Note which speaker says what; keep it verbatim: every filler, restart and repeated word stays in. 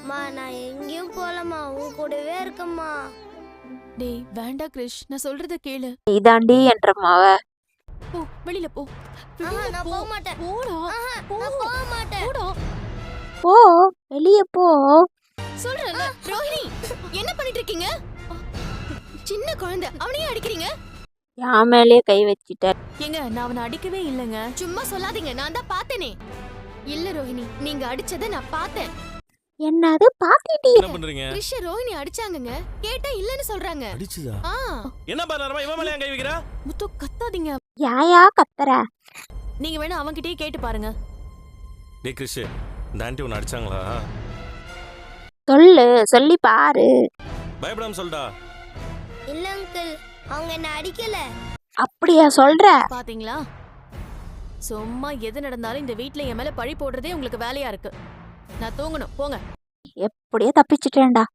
Speaker 1: மா நான் எங்கேயும் போலமா, உன் கூடவே இருக்கம்மா.
Speaker 2: டேய் வேண்டா கிரிஷ், நான் சொல்றத கேளு.
Speaker 3: இதாண்டி என்ற மாவ.
Speaker 2: போ வெளியில போ.
Speaker 1: ஆஹா,
Speaker 2: வெளியில
Speaker 1: நான்
Speaker 2: போ.
Speaker 1: போக மாட்டேன்.
Speaker 2: போடா.
Speaker 1: ஆஹா,
Speaker 2: போ.
Speaker 1: நான் போக மாட்டேன்.
Speaker 2: போடா.
Speaker 3: போ வெளிய போ.
Speaker 2: சொல்றேன்ல ரோஹிணி, என்ன பண்ணிட்டு இருக்கீங்க? சின்ன குழந்தை, அவனையே அடிக்கிறீங்க?
Speaker 3: என் மேலயே கை வச்சிட்ட.
Speaker 2: ஏங்க நான் அவனை அடிக்கவே இல்லைங்க. சும்மா சொல்லாதீங்க, நான் தான் பார்த்தேனே. இல்ல ரோஹிணி, நீங்க அடிச்சதை நான் பார்த்தேன்.
Speaker 3: என்னது பாத்திட்டி?
Speaker 4: என்ன பண்றீங்க?
Speaker 2: கிரிஷ் ரோஹிணி அடிச்சாங்கங்க. கேட்டா இல்லன்னு சொல்றாங்க.
Speaker 4: அடிச்சுதா?
Speaker 2: ஆ
Speaker 4: என்ன பண்ணறமா இவன் மேல ஏன் கை வைக்கிறா?
Speaker 2: முத்து கத்தாதீங்க.
Speaker 3: யாயா கத்துற?
Speaker 2: நீங்க வேணா அவன்கிட்டயே கேட்டு பாருங்க.
Speaker 4: டேய் கிறிஷ், இந்த ஆண்டி உன்னை அடிச்சாங்களா?
Speaker 3: சொல்லு, சொல்லி பாரு.
Speaker 4: பயப்படாம சொல்டா.
Speaker 1: இல்ல அங்கிள், அவங்க என்ன அடிக்கல.
Speaker 3: அப்படியா சொல்ற?
Speaker 2: பாத்தீங்களா, சும்மா எது நடந்தாலும் இந்த வீட்ல என் மேல பழி போடுறதே உங்களுக்கு வேலையா இருக்கு. நான் தூங்கணும், போங்க.
Speaker 3: எப்படியோ தப்பிச்சிட்டேன்டா.